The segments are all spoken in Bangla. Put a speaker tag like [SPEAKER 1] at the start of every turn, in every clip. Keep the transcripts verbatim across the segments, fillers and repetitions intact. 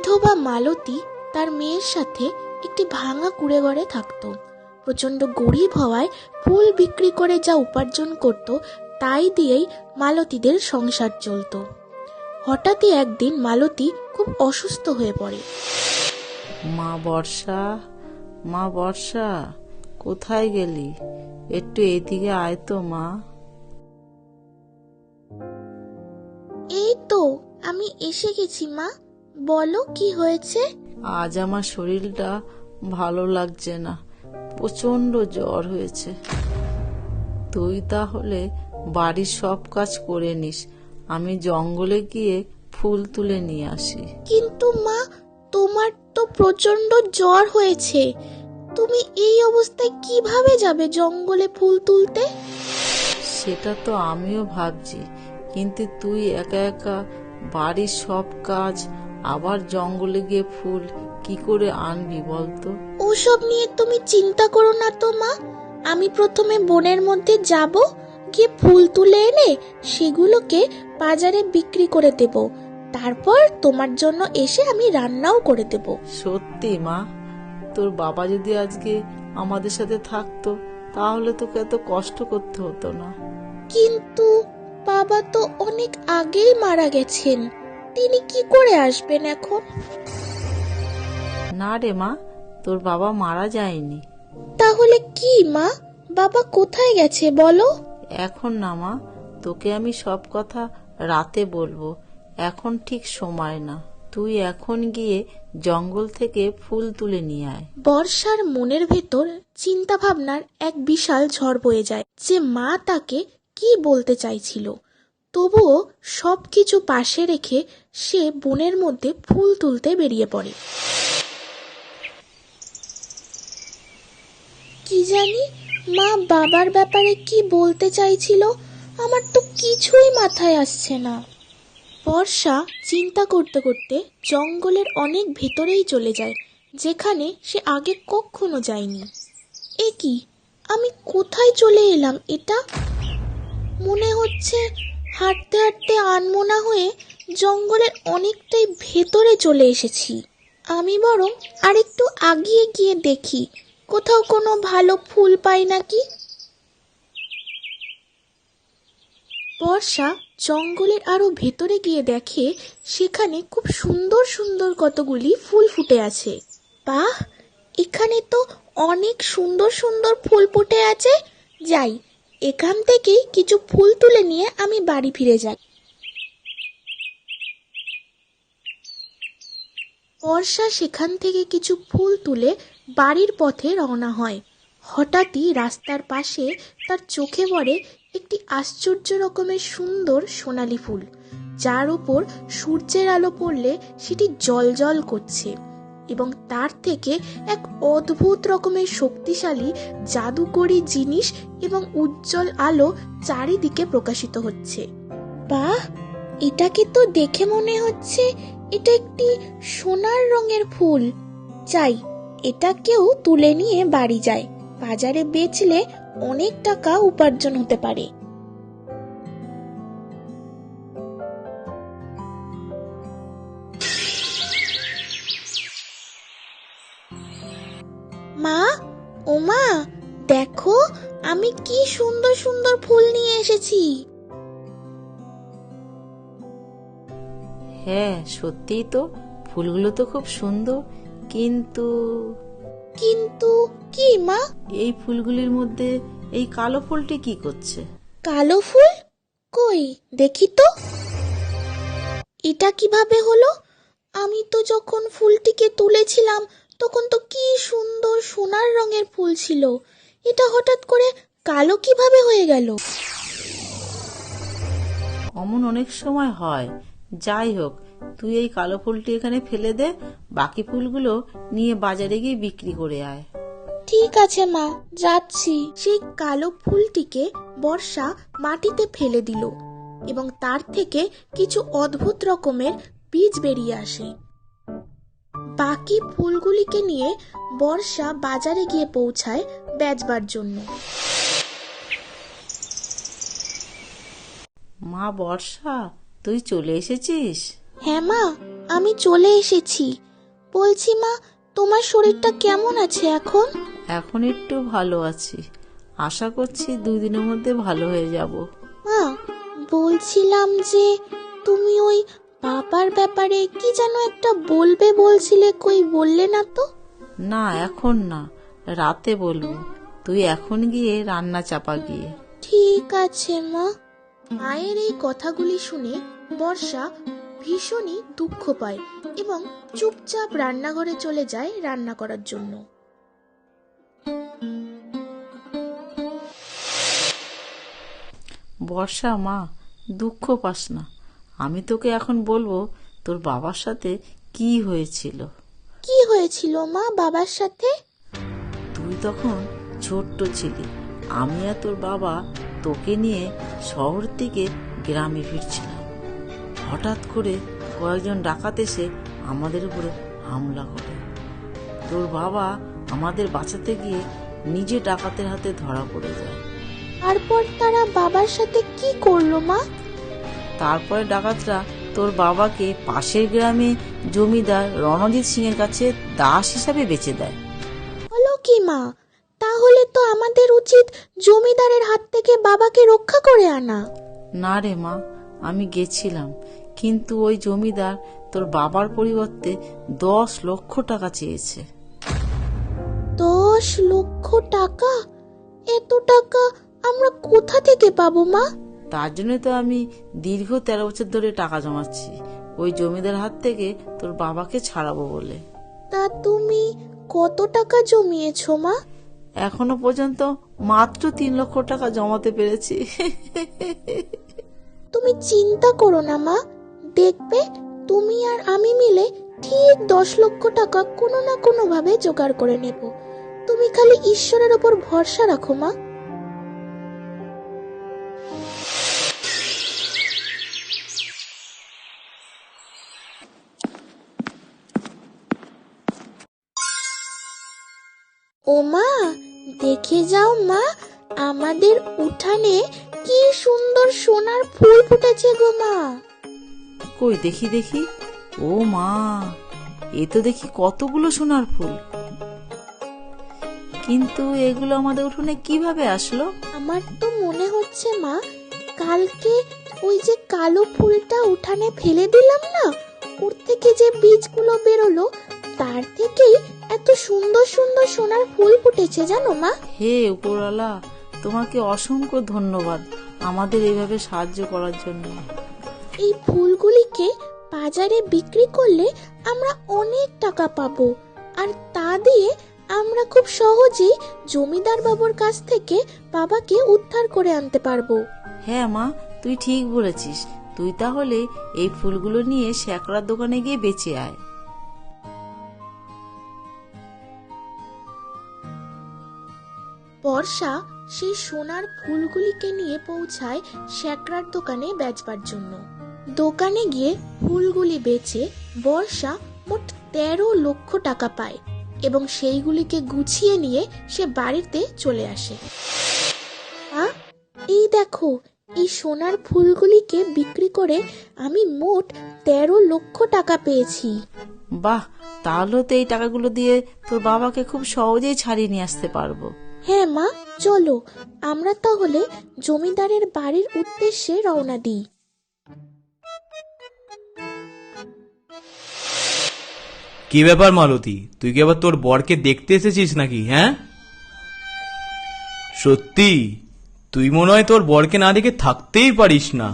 [SPEAKER 1] বিধবা মালতী তার মেয়ের সাথে একটি ভাঙা কুঁড়ে ঘরে থাকত। প্রচন্ড গরিব হওয়ায় ফুল বিক্রি করে যা উপার্জন করত তাই দিয়েই মালতীদের সংসার চলত। হঠাৎই একদিন মালতী খুব অসুস্থ হয়ে পড়ে।
[SPEAKER 2] মা বর্ষা, মা বর্ষা, কোথায় গেলি? একটু এদিকে আয় তো মা।
[SPEAKER 1] এই তো আমি এসে গেছি মা, বলো কি হয়েছে?
[SPEAKER 2] আজ আমার শরীরটা ভালো লাগছে না, প্রচন্ড জ্বর হয়েছে। তুই তাহলে বাড়ির সব কাজ করে নিস, আমি জঙ্গলে গিয়ে ফুল তুলে নিয়ে আসি।
[SPEAKER 1] কিন্তু মা, তোমার তো প্রচন্ড জ্বর হয়েছে, তুমি এই অবস্থায় কিভাবে যাবে জঙ্গলে ফুল তুলতে?
[SPEAKER 2] সেটা তো আমিও ভাবছি, কিন্তু তুই একা একা বাড়ির সব কাজ আবার জঙ্গলে গিয়ে ফুল কি করে আনবি বলতো?
[SPEAKER 1] ওসব নিয়ে তুমি চিন্তা করো না তো মা, আমি প্রথমে বনের মধ্যে যাব, গিয়ে ফুল তুলে এনে সেগুলোকে বাজারে বিক্রি করে দেব, তারপর তোমার জন্য এসে আমি রান্নাও করে দেব।
[SPEAKER 2] সত্যি মা, তোর বাবা যদি আজকে আমাদের সাথে থাকতো তাহলে তোকে এত কষ্ট করতে হতো না।
[SPEAKER 1] কিন্তু বাবা তো অনেক আগেই মারা গেছেন, তিনি কি করে আসবেন এখন?
[SPEAKER 2] না রে মা, তোর বাবা মারা যায়নি।
[SPEAKER 1] তাহলে কি মা, বাবা কোথায় গেছে বলো?
[SPEAKER 2] এখন না মা, তোকে আমি সব কথা রাতে বলবো, এখন ঠিক সময় না। তুই এখন গিয়ে জঙ্গল থেকে ফুল তুলে নিয়ে আয়।
[SPEAKER 1] বর্ষার মনের ভেতর চিন্তা ভাবনার এক বিশাল ঝড় বয়ে যায় যে মা তাকে কি বলতে চাইছিল। তবুও সবকিছু পাশে রেখে সে বনের মধ্যে ফুল তুলতে বেরিয়ে পড়ে। কি জানি মা বাবার ব্যাপারে কি বলতে চাইছিল, আমার তো কিছুই মাথায় আসছে না। বর্ষা চিন্তা করতে করতে জঙ্গলের অনেক ভেতরেই চলে যায়, যেখানে সে আগে কখনো যায়নি। এ কি, আমি কোথায় চলে এলাম? এটা মনে হচ্ছে হাঁটতে হাঁটতে আনমনা হয়ে জঙ্গলের অনেকটাই ভেতরে চলে এসেছি। আমি বরং আরেকটু আগিয়ে গিয়ে দেখি কোথাও কোনো ভালো ফুল পাই নাকি। বর্ষা জঙ্গলের আরো ভেতরে গিয়ে দেখে সেখানে খুব সুন্দর সুন্দর কতগুলি ফুল ফুটে আছে। বাহ, এখানে তো অনেক সুন্দর সুন্দর ফুল ফুটে আছে, যাই এখান থেকেই কিছু ফুল তুলে নিয়ে আমি বাড়ি ফিরে যাই। বর্ষা সেখান থেকে কিছু ফুল তুলে বাড়ির পথে রওনা হয়। হঠাৎই রাস্তার পাশে তার চোখে পড়ে একটি আশ্চর্য রকমের সুন্দর সোনালী ফুল, যার উপর সূর্যের আলো পড়লে সেটি জ্বলজ্বল করছে এবং তার থেকে এক অদ্ভুত রকমের শক্তিশালী জাদুকরী জিনিস এবং উজ্জ্বল আলো চারিদিকে প্রকাশিত হচ্ছে। বাহ, এটাকে তো দেখে মনে হচ্ছে এটা একটি সোনার রঙের ফুল। চাই এটাকেও তুলে নিয়ে বাড়ি যায়, বাজারে বেচলে অনেক টাকা উপার্জন হতে পারে। মা, ও মা, দেখো আমি কি সুন্দর সুন্দর ফুল নিয়ে এসেছি।
[SPEAKER 2] হ্যাঁ সত্যিই তো, ফুলগুলো তো খুব সুন্দর, কিন্তু
[SPEAKER 1] কিন্তু কি মা?
[SPEAKER 2] এই ফুলগুলির মধ্যে এই কালো ফুলটি কি করছে?
[SPEAKER 1] কালো ফুল? কই দেখি তো, এটা কিভাবে হলো? আমি তো যখন ফুলটিকে তুলেছিলাম তখন তো কি সুন্দর সোনার রঙের ফুল ছিল, এটা হঠাৎ করে কালো কিভাবে হয়ে গেল?
[SPEAKER 2] অমন অনেক সময় হয়। যাই হোক, তুই এই কালো ফুলটি এখানে ফেলে দে, বাকি ফুলগুলো নিয়ে বাজারে গিয়ে বিক্রি করে আয়।
[SPEAKER 1] ঠিক আছে মা, যাচ্ছি। সেই কালো ফুলটিকে বর্ষা মাটিতে ফেলে দিল এবং তার থেকে কিছু অদ্ভুত রকমের বীজ বেরিয়ে আসে। বাকি ফুলগুলিকে নিয়ে বর্ষা বাজারে গিয়ে পৌঁছায় বেচবার জন্য।
[SPEAKER 2] মা বর্ষা, তুই চলে এসেছিস?
[SPEAKER 1] হ্যাঁ মা, আমি চলে এসেছি। বলছি মা, তোমার শরীরটা কেমন আছে এখন?
[SPEAKER 2] এখন একটু ভালো আছি, আশা করছি দুদিনের মধ্যে ভালো হয়ে যাব।
[SPEAKER 1] মা, বলছিলাম যে তুমি ওই বাবার ব্যাপারে কি যেন একটা বলবে বলছিলে, কই বললে না তো?
[SPEAKER 2] না, এখন না, রাতে বলবো। তুই এখন গিয়ে রান্না চাপা গিয়ে।
[SPEAKER 1] ঠিক আছে মা। মায়ের এই কথাগুলি শুনে বর্ষা ভীষণই দুঃখ পায় এবং চুপচাপ রান্নাঘরে চলে যায় রান্না করার জন্য।
[SPEAKER 2] বর্ষা, মা, দুঃখ পাস না। আমি তোকে এখন বলবো তোর বাবার সাথে কি হয়েছিল।
[SPEAKER 1] কি হয়েছিল মা বাবার সাথে?
[SPEAKER 2] তুই তখন ছোট্ট ছিলি। আমি আর তোর বাবা তোকে নিয়ে শহর থেকে গ্রামে ফিরছিলাম। হঠাৎ করে কয়েকজন ডাকাত এসে আমাদের উপরে হামলা করে। তোর বাবা আমাদের বাঁচাতে গিয়ে নিজে ডাকাতের হাতে ধরা পড়ে যায়।
[SPEAKER 1] তারপর তারা বাবার সাথে কি করলো মা?
[SPEAKER 2] তারপরে ডাকাতরা তোর বাবাকে পাশের গ্রামে জমিদার রণজিৎ সিং এর কাছে দাস হিসাবে বেচে দেয়।
[SPEAKER 1] বলো কি মা, তাহলে তো আমাদের উচিত জমিদারের হাত থেকে বাবাকে রক্ষা করে আনা।
[SPEAKER 2] না রে মা, আমি গেছিলাম, কিন্তু ওই জমিদার তোর বাবার পরিবর্তে দশ লক্ষ টাকা চেয়েছে।
[SPEAKER 1] দশ লক্ষ টাকা? এত টাকা আমরা কোথা থেকে পাবো মা?
[SPEAKER 2] তার জন্য তো আমি দীর্ঘ তেরো বছর ধরে টাকা জমাচ্ছি, ওই জমিদার হাত থেকে তোর বাবাকে ছাড়াবো বলে।
[SPEAKER 1] তা তুমি কত টাকা জমিয়েছো মা?
[SPEAKER 2] এখনো পর্যন্ত মাত্র তিন লক্ষ টাকা জমাতে পেরেছি।
[SPEAKER 1] তুমি চিন্তা করো না মা, দেখবে তুমি আর আমি মিলে ঠিক দশ লক্ষ টাকা কোনো না কোনো ভাবে জোগাড় করে নেব। তুমি খালি ঈশ্বরের উপর ভরসা রাখো মা। ও মা, দেখে যাও মা, আমাদের উঠানে কি সুন্দর সোনার ফুল ফুটেছে গো মা।
[SPEAKER 2] কই দেখি দেখি। ও মা, এ তো দেখি কতগুলো সোনার ফুল। কিন্তু এগুলো আমাদের উঠোনে কিভাবে আসলো?
[SPEAKER 1] আমার তো মনে হচ্ছে মা, কালকে ওই যে কালো ফুলটা উঠানে ফেলে দিলাম না, ওর থেকে যে বীজগুলো বেরোলো তার থেকেই এত সুন্দর সুন্দর সোনার ফুল ফুটেছে জানো মা।
[SPEAKER 2] হে উপরওয়ালা, তোমাকে অসংখ্য ধন্যবাদ আমাদের এইভাবে সাহায্য করার জন্য।
[SPEAKER 1] এই ফুলগুলিকে বাজারে বিক্রি করলে আমরা অনেক টাকা পাবো, আর তা দিয়ে আমরা খুব সহজেই জমিদার বাবুর কাছ থেকে বাবাকে উদ্ধার করে আনতে পারবো।
[SPEAKER 2] হ্যাঁ মা, তুই ঠিক বলেছিস। তুই তাহলে এই ফুলগুলো নিয়ে শ্যাকরার দোকানে গিয়ে বেচে আয়।
[SPEAKER 1] বর্ষা সেই সোনার ফুলগুলিকে নিয়ে পৌঁছায় শ্যাকরার দোকানে বেচবার জন্য। দোকানে গিয়ে ফুলগুলি বেচে বর্ষা মোট তেরো লক্ষ টাকা পায় এবং সেইগুলিকে গুছিয়ে নিয়ে সে বাড়িতে চলে আসে। আ, এই দেখো, এই সোনার ফুলগুলিকে বিক্রি করে আমি মোট তেরো লক্ষ টাকা পেয়েছি।
[SPEAKER 2] বাহ, তাহলে তো এই টাকাগুলো দিয়ে তোর বাবাকে খুব সহজেই ছাড়িয়ে নিয়ে আসতে পারবো।
[SPEAKER 1] হ্যাঁ মা, চলো আমরা তাহলে জমিদারের বাড়ির উদ্দেশ্যে রওনা দিই।
[SPEAKER 3] কি ব্যাপার মালতী, তুই কি আবার তোর বরকে দেখতে এসেছিস নাকি? হ্যাঁ, সত্যি তুই মনে হয় তোর বরকে না দেখে থাকতেই পারিস না।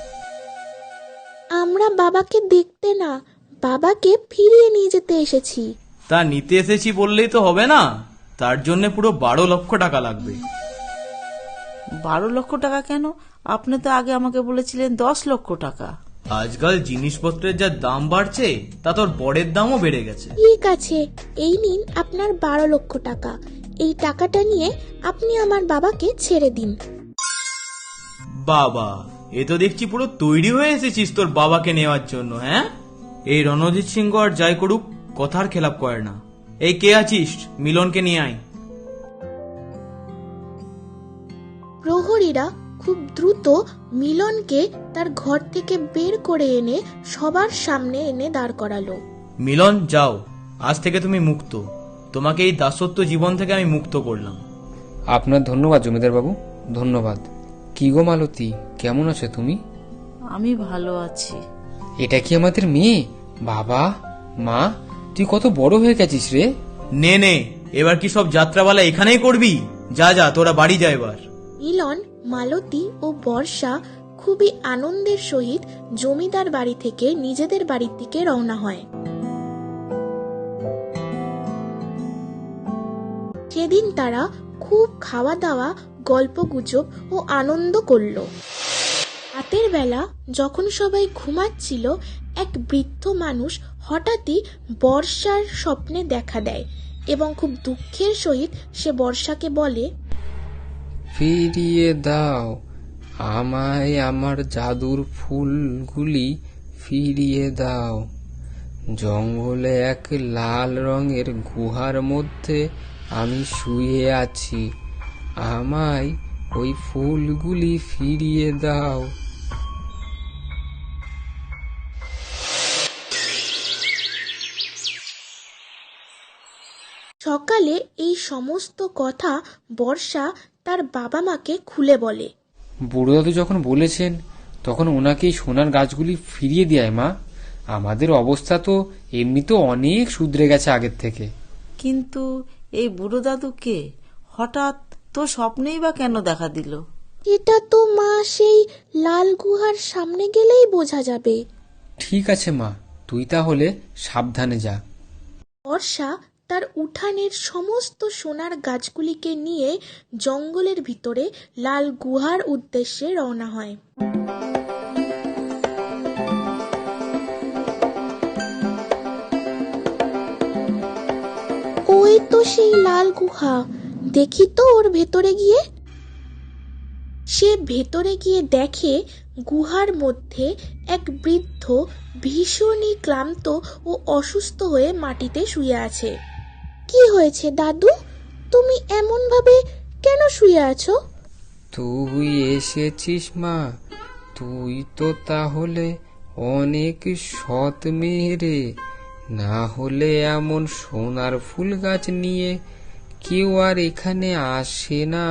[SPEAKER 1] আমরা বাবাকে দেখতে না, বাবাকে ফিরিয়ে নিয়ে যেতে এসেছি।
[SPEAKER 3] তা নিতে এসেছি বললেই তো হবে না, তার জন্য পুরো বারো লক্ষ টাকা লাগবে।
[SPEAKER 2] বারো লক্ষ টাকা কেন? আপনি তো আগে আমাকে বলেছিলেন দশ লক্ষ টাকা।
[SPEAKER 3] আজকাল জিনিসপত্রের যা দাম বাড়ছে, তা তোর বরের দামও বেড়ে গেছে।
[SPEAKER 1] ঠিক আছে, এই নিন আপনার বারো লক্ষ টাকা। এই টাকাটা নিয়ে আপনি আমার বাবাকে ছেড়ে দিন।
[SPEAKER 3] বাবা, এ তো দেখছি পুরো তৈরি হয়ে এসেছিস তোর বাবাকে নেওয়ার জন্য। হ্যাঁ, এই রণজিৎ সিংহ আর যাই করুক কথার খেলাপ করে না। এই কে আছিস, মিলনকে নিয়ে আয়।
[SPEAKER 1] প্রহরীরা খুব দ্রুত মিলনকে তার ঘর থেকে বের করে এনে সবার সামনে এনে দাঁড় করালো।
[SPEAKER 3] মিলন, যাও, আজ থেকে তুমি মুক্ত। তোমাকে এই দাসত্ব জীবন থেকে আমি মুক্ত করলাম।
[SPEAKER 4] আপনার ধন্যবাদ জমিদার বাবু, ধন্যবাদ। কি গো মালতী, কেমন আছো তুমি?
[SPEAKER 2] আমি ভালো আছি।
[SPEAKER 4] এটা কি আমাদের মেয়ে? বাবা, মা, তুই কত বড় হয়ে গেছিস রে।
[SPEAKER 3] নে নে, এবার কি সব যাত্রাপালা এখানেই করবি? যা যা, তোরা বাড়ি যা এবার।
[SPEAKER 1] মিলন, মালতী ও বর্ষা খুবই আনন্দের সহিত জমিদার বাড়ি থেকে নিজেদের বাড়ির দিকে রওনা হয়। সেদিন তারা খুব খাওয়া দাওয়া, গল্পগুজব ও আনন্দ করল। রাতের বেলা যখন সবাই ঘুমাচ্ছিল, এক বৃদ্ধ মানুষ হঠাৎই বর্ষার স্বপ্নে দেখা দেয় এবং খুব দুঃখের সহিত সে বর্ষাকে বলে,
[SPEAKER 4] ফিরিয়ে দাও আমায় আমার জাদুর ফুলগুলি, ফিরিয়ে দাও। জঙ্গলে এক লাল রঙের গুহার মধ্যে আমি শুয়ে আছি, আমায় ওই ফুলগুলি ফিরিয়ে দাও।
[SPEAKER 1] সকালে এই সমস্ত কথা বর্ষা তার বাবা মাকে খুলে বলে।
[SPEAKER 4] বুড়ো দাদু যখন বলেছেন তখন ওনাকে এই সোনার গাছগুলি ফিরিয়ে দেয় মা। আমাদের অবস্থা তো এমনিতেও অনেক শুধরে গেছে আগের থেকে।
[SPEAKER 2] কিন্তু এই বুড়ো দাদুকে হঠাৎ তো স্বপ্নেই বা কেন দেখা দিল?
[SPEAKER 1] এটা তো মা সেই লাল গুহার সামনে গেলেই বোঝা যাবে।
[SPEAKER 4] ঠিক আছে মা, তুই তাহলে সাবধানে যা।
[SPEAKER 1] বর্ষা তার উঠানের সমস্ত সোনার গাছগুলিকে নিয়ে জঙ্গলের ভিতরে লাল গুহার উদ্দেশ্যে রওনা হয়। ওই তো সেই লাল গুহা, দেখি তো ওর ভেতরে গিয়ে। সে ভেতরে গিয়ে দেখে গুহার মধ্যে এক বৃদ্ধ ভীষণই ক্লান্ত ও অসুস্থ হয়ে মাটিতে শুয়ে আছে। কি হয়েছে দাদু, তুমি এমন ভাবে কেন শুয়ে আছো?
[SPEAKER 4] তুই এসেছিস মা, তুই তো তাহলে অনেক সৎ মেয়ে রে, না হলে এমন সোনার ফুল গাছ নিয়ে কেউ আর এখানে আসে না।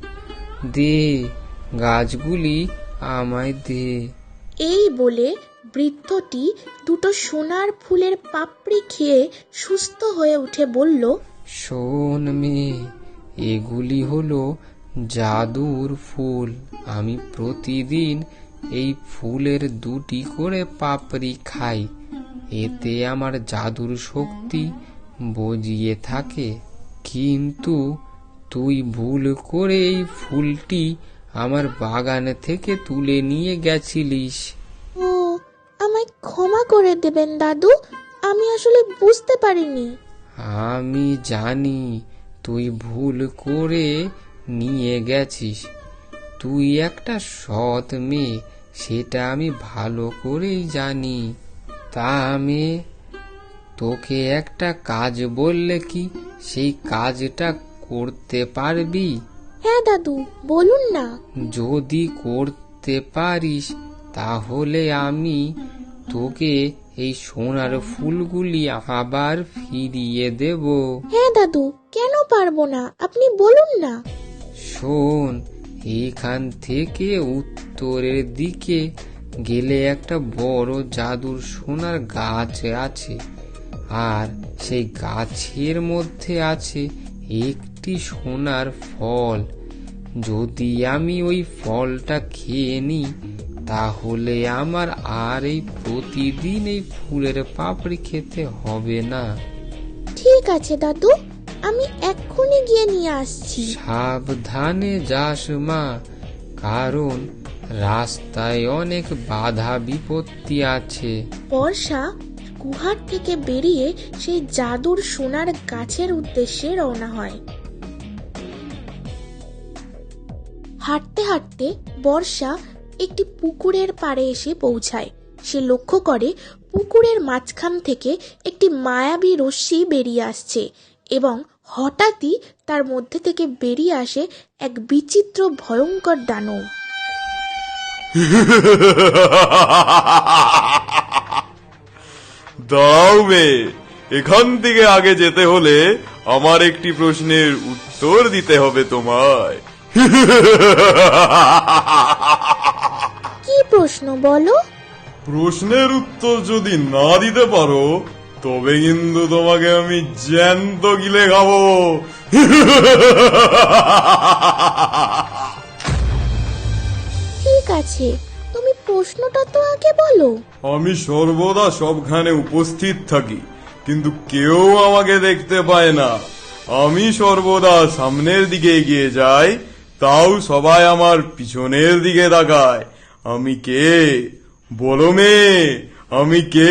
[SPEAKER 4] দে গাছগুলি আমায় দে।
[SPEAKER 1] এই বলে বৃদ্ধটি দুটো সোনার ফুলের পাপড়ি খেয়ে সুস্থ হয়ে উঠে বলল,
[SPEAKER 4] শোন মেয়ে, এগুলি হলো জাদুর ফুল। আমি প্রতিদিন এই ফুলের দুটি করে পাপড়ি খাই, এতে আমার জাদুর শক্তি বজিয়ে থাকে। কিন্তু তুই ভুল করে এই ফুলটি আমার বাগান থেকে তুলে নিয়ে গেছিলিস।
[SPEAKER 1] ও, আমায় ক্ষমা করে দেবেন দাদু, আমি আসলে বুঝতে পারিনি।
[SPEAKER 4] আমি জানি তুই ভুল করে নিয়ে গেছিস, তুই একটা সৎ মেয়ে, সেটা আমি ভালো করেই জানি। তা আমি তোকে একটা কাজ বললে কি সেই কাজটা করতে পারবি?
[SPEAKER 1] হ্যাঁ দাদু, বলুন না।
[SPEAKER 4] যদি করতে পারিস তাহলে আমি তোকে এই সোনার ফুলগুলি আবার ফিরিয়ে দেব।
[SPEAKER 1] হ্যাঁ দাদু, কেন পারবো না, আপনি বলুন না।
[SPEAKER 4] শোন, এখান থেকে উত্তরের দিকে গেলে একটা বড় জাদুর সোনার গাছ আছে, আর সেই গাছের মধ্যে আছে একটি সোনার ফল। যদি আমি ওই ফলটা খেয়ে নিই তাহলে আমার আর এই প্রতিদিন এই ফুলের পাপড়ি খেতে হবে না।
[SPEAKER 1] ঠিক আছে দাদু, আমি এক্ষুনি গিয়ে নিয়ে আসছি।
[SPEAKER 4] সাবধানে যাস মা, কারণ রাস্তায় অনেক বাধা বিপত্তি আছে।
[SPEAKER 1] বর্ষা গুহার থেকে বেরিয়ে সেই জাদুর সোনার গাছের উদ্দেশ্যে রওনা হয়। হাঁটতে হাঁটতে বর্ষা একটি পুকুরের পাড়ে এসে পৌঁছায়। সে লক্ষ্য করে পুকুরের মাঝখান থেকে একটি মায়াবী রশ্মি বেরিয়ে আসছে এবং হঠাৎই তার মধ্যে থেকে বেরিয়ে আসে এক বিচিত্র ভয়ঙ্কর দানব।
[SPEAKER 5] দাও মেয়ে, এখান থেকে আগে যেতে হলে আমার একটি প্রশ্নের উত্তর দিতে হবে তোমায়।
[SPEAKER 1] কি প্রশ্ন বলো?
[SPEAKER 5] প্রশ্নের উত্তর যদি না দিতে পারো তবে কিন্তু তোমাকে আমি জ্যান্ত গিলে খাবো।
[SPEAKER 1] ঠিক আছে, তুমি প্রশ্নটা তো আগে বলো।
[SPEAKER 5] আমি সর্বদা সবখানে উপস্থিত থাকি, কিন্তু কেউ আমাকে দেখতে পায় না। আমি সর্বদা সামনের দিকে এগিয়ে যাই, তাও সবাই আমার পিছনের দিকে তাকায়। আমি কে বলো মেয়ে, আমি কে?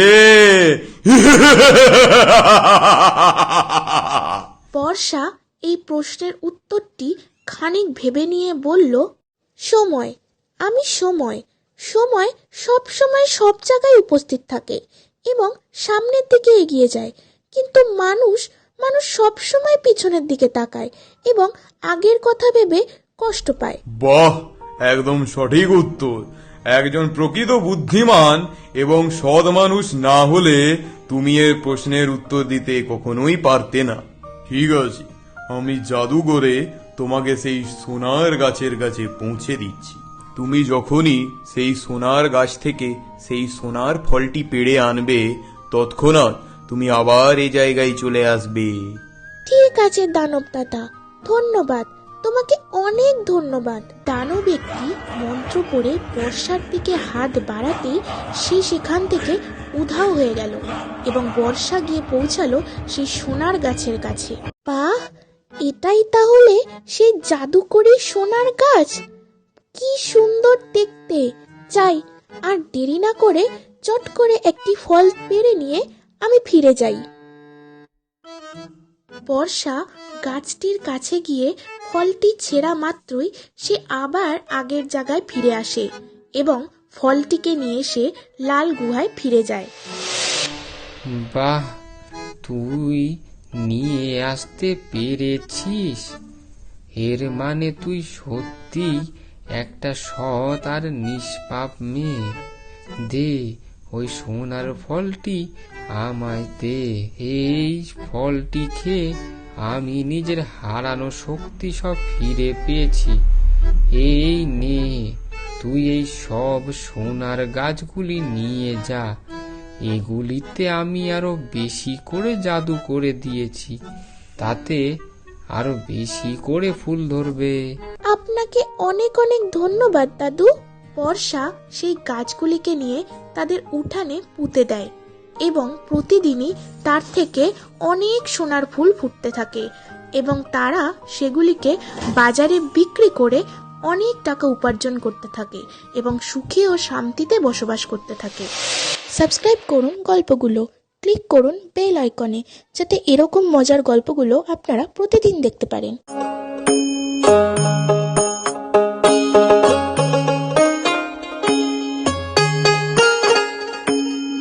[SPEAKER 1] বর্ষা এই প্রশ্নের উত্তরটি খানিক ভেবে নিয়ে বলল, সময়। আমি সময়। সময় সব সময় সব জায়গায় উপস্থিত থাকে এবং সামনের দিকে এগিয়ে যায়, কিন্তু মানুষ মানুষ সব সময় পিছনের দিকে তাকায় এবং আগের কথা ভেবে কষ্ট পায়।
[SPEAKER 5] বাহ, একদম সঠিক উত্তর। একজন প্রকৃত বুদ্ধিমান এবং সৎ মানুষ না হলে তুমি এর প্রশ্নের উত্তর দিতে কখনোই পারতে না। ঠিক আছে, আমি জাদু করে তোমাকে সেই সোনার গাছের কাছে পৌঁছে দিচ্ছি। তুমি যখনই সেই সোনার গাছ থেকে সেই সোনার ফলটি পেড়ে আনবে, তৎক্ষণাৎ তুমি আবার এই জায়গায় চলে আসবে।
[SPEAKER 1] ঠিক আছে দানব দাদা, ধন্যবাদ, তোমাকে অনেক ধন্যবাদ। দানব একটি মন্ত্র পড়ে বর্ষার দিকে হাত বাড়াতেই সে সেখান থেকে উধাও হয়ে গেল এবং বর্ষা গিয়ে পৌঁছালো সেই সোনার গাছের কাছে। বাহ, এটাই তাহলে সেই জাদুকরি সোনার গাছ! কি সুন্দর দেখতে! যাই, আর দেরি না করে চট করে একটি ফল পেড়ে নিয়ে আমি ফিরে যাই। বর্ষা গাছটির কাছে গিয়ে ফলটি ছেঁড়া মাত্রই সে আবার আগের জায়গায় ফিরে আসে এবং ফলটিকে নিয়ে সে লাল গুহায় ফিরে যায়।
[SPEAKER 4] বাহ, তুই নিয়ে আসতে পেরেছিস। এর মানে তুই সত্যি একটা সৎ আর নিষ্পাপ মেয়ে। দে ওই সোনার ফলটি আমায় দে। এই ফলটি খেয়ে আমি নিজের হারানো শক্তি সব ফিরে পেয়েছি। এই নে, তুই এই সব সোনার গাছগুলি নিয়ে যা। এগুলিতে আমি আরো বেশি করে জাদু করে দিয়েছি, তাতে আরো বেশি করে ফুল ধরবে।
[SPEAKER 1] আপনাকে অনেক অনেক ধন্যবাদ দাদু। বর্ষা সেই গাছগুলিকে নিয়ে তাদের উঠানে পুঁতে দেয় এবং প্রতিদিনই তার থেকে অনেক সোনার ফুল ফুটতে থাকে এবং তারা সেগুলিকে বাজারে বিক্রি করে অনেক টাকা উপার্জন করতে থাকে এবং সুখে ও শান্তিতে বসবাস করতে থাকে। সাবস্ক্রাইব করুন গল্পগুলো, ক্লিক করুন বেল আইকনে, যাতে এরকম মজার গল্পগুলো আপনারা প্রতিদিন দেখতে পারেন।